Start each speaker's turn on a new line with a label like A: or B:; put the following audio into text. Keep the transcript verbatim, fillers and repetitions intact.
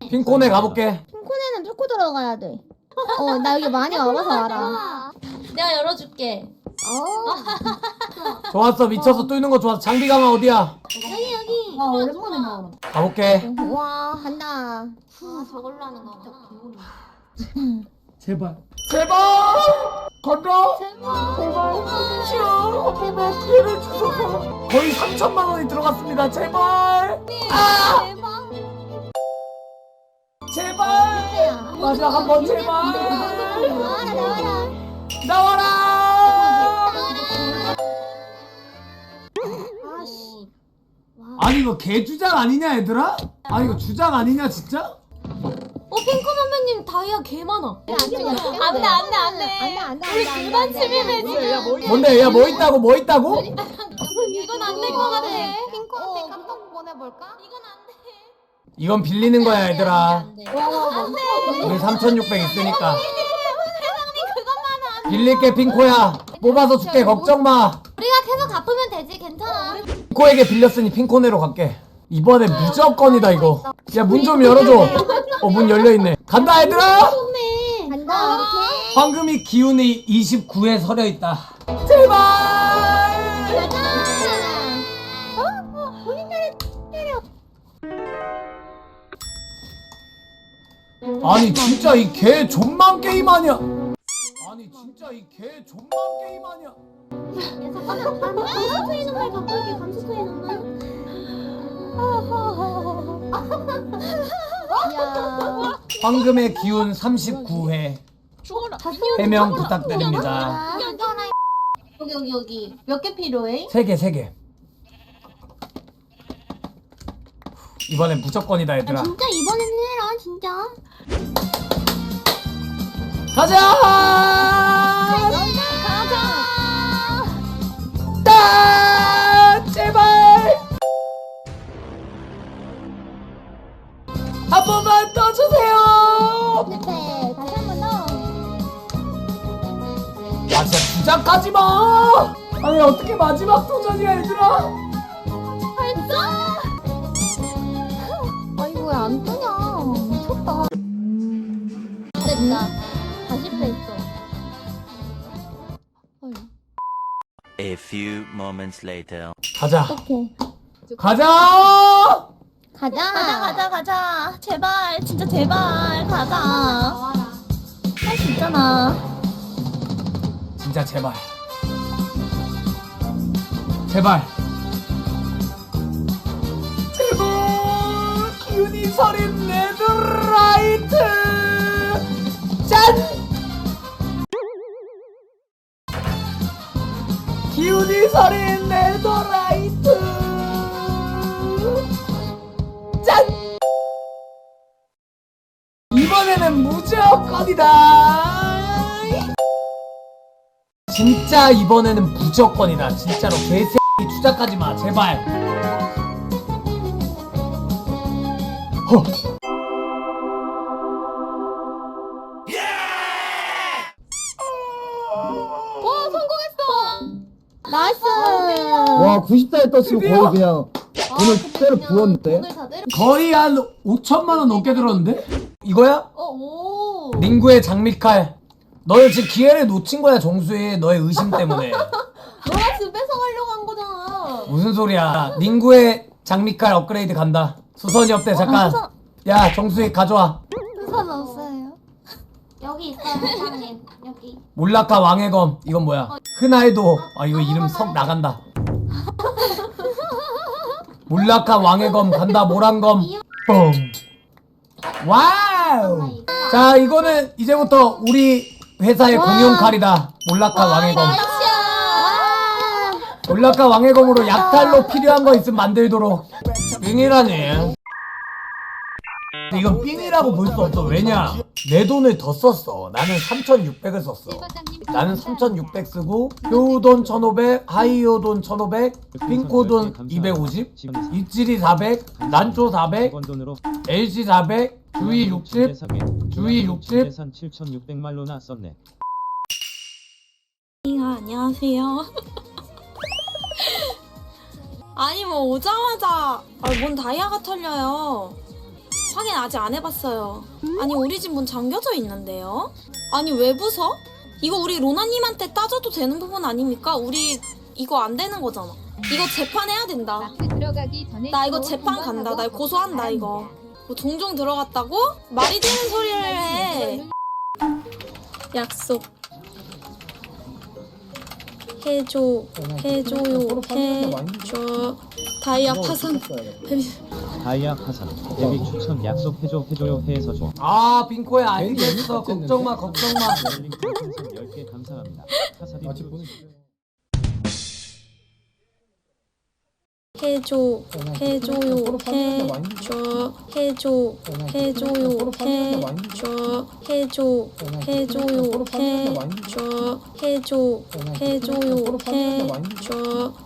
A: 핑콘에 가볼게.
B: 핑콘에는 뚫고 들어가야 돼. 어, 나 여기 많이 와봐서 알아.
C: 내가 열어줄게.
B: 어.
A: 좋았어, 미쳐서 뚫는 거 좋았어. 장비 가방 어디야?
C: 여기 여기.
B: 아, 오랜만에 나와.
A: 가볼게.
B: 와, 간다.
C: 아 저걸로 하는 거구나.
A: 제발. 제발! 건너! 제발! 싫어! 한 번만 기회를 주소서. 거의 삼천만 원이 들어갔습니다. 제발! 아! 제발! 마지막 한 번 제발!
B: 나와라, 나와라.
A: 나와라!
C: 아씨.
A: 아니 이거 개주작 아니냐 얘들아? 아니 이거 주작 아니냐 진짜?
C: 어 핑크 선배님 다이아 개 많아.
B: 안돼, 안돼,
C: 안돼 안돼 안돼.
B: 안돼, 안돼.
C: 우리 둘만 침입해 지금.
A: 뭔데 얘 뭐 있다고 뭐 있다고?
C: 이건 안 될 것 같아.
B: 핑콘한테 깜빡 보내볼까?
C: 이건 안 돼.
A: 이건 빌리는 거야 얘들아.
C: 안 돼. 안 돼.
A: 우리 삼천육백 있으니까
C: 회장님 그것만은 안 돼.
A: 빌릴게 핑코야. 뽑아서 줄게 걱정 마.
C: 우리가 계속 갚으면 되지 괜찮아.
A: 핑코에게 빌렸으니 핑코네로 갈게. 이번에 무조건이다 이거. 야 문 좀 열어줘. 어 문 열려있네. 간다 얘들아.
B: 간다. 오케이.
A: 황금이 기운이 이십구에 서려있다. 제발.
B: 어? 본인 때려.
A: 아니 진짜 이 개 존만 게임 아니야. 아니 진짜 이 개 존만 게임 아니야.
C: 감수 트이는 말 바꿀게. 감수 트이는 말.
B: 야.
A: 황금의 기운 삼십구 회
C: 죽어라.
A: 해명 부탁드립니다.
C: 여기 여기 여기 몇 개 필요해?
A: 세 개, 세 개. 이번엔 무조건이다 얘들아.
C: 진짜 이번엔 해라 진짜.
A: 가자!
C: 가자.
A: 따! 제발! 한 번만 떠주세요!
B: 실패. 다시 한 번 더.
A: 아 진짜 주작하지 마! 아니 어떻게 마지막 도전이야 얘들아?
B: 아이고, 왜 안 뜨냐. 미쳤다.
C: 됐다. 다시 실패했어.
D: A few moments later.
A: 가자.
B: 오케이.
A: 가자!
B: 가자.
C: 가자 가자 가자. 제발 진짜 제발 가자. 할 수 있잖아.
A: 진짜 제발. 제발. 제발 기운이 서린 레드라이트 짠! 기운이 서린 레드라이트 짠! 이번에는 무조건이다. 진짜 이번에는 무조건이다. 진짜로 개새끼 주작하지 마 제발. 허.
C: 와 성공했어.
B: 나이스.
E: 와 구십사에 떴으면
A: 드디어?
E: 거의 그냥 돈을 때려 부었는데.
C: 오늘 다 내려.
A: 거의 한 오천만 원 넘게 들었는데? 이거야?
C: 어 오.
A: 링구의 장미칼. 너는 지금 기회를 놓친 거야 정수희. 너의 의심 때문에.
C: 너가 집 뺏어가려고 한 거잖아.
A: 무슨 소리야. 링구의 장미칼 업그레이드 간다. 수선이 없대 잠깐. 야 정수희 가져와.
B: 수선 없어요.
C: 여기 있어요 회장님. 여기.
A: 몰라카 왕의 검. 이건 뭐야? 흔하에도. 아 이거 이름 석 나간다. 몰라카 왕의 검 간다. 모란검. 뻥. 와우. 자 이거는 이제부터 우리 회사의 공용 칼이다. 몰라카 왕의 검. 몰라카 왕의 검으로 약탈로 필요한 거 있으면 만들도록. 삥이라니. 이건 삥이라고 볼 수 없어. 왜냐? 내 돈을 더 썼어. 나는 삼천육백을 썼어. 나는 삼천육백 쓰고 효우돈 천오백, 하이오돈 천오백, 핑코돈 이백오십, 입질이 사백, 난초 사백, 엘씨 사백, 주의 육십, 주의 육십.
F: 재산 칠천육백 말로나 썼네.
G: 아, 안녕하세요. 아니 뭐 오자마자 아, 뭔 다이아가 털려요.
C: 확인 아직 안 해봤어요. 아니 우리 집 문 잠겨져 있는데요? 아니 왜 부숴? 이거 우리 로나님한테 따져도 되는 부분 아닙니까? 우리 이거 안 되는 거잖아. 이거 재판해야 된다.
G: 들어가기 전에
C: 나 이거 재판 간다. 나 이거 고소한다 이거. 뭐 종종 들어갔다고? 말이 되는 소리를 해. 약속 해줘 해줘요 해줘 다이아 파산
F: 다이아 파산. 데뷔 추천 약속해줘 해줘요 해서 줘.
A: 아 빙코야 알겠어. 걱정마 걱정마.
F: 롤링 풍선 열 개 감사합니다. 카사딘
E: 아직 보내주세요.
C: 해줘 해줘요 해줘 해줘 해줘요 해줘 해줘 해줘요 해줘 해줘 해줘요 해줘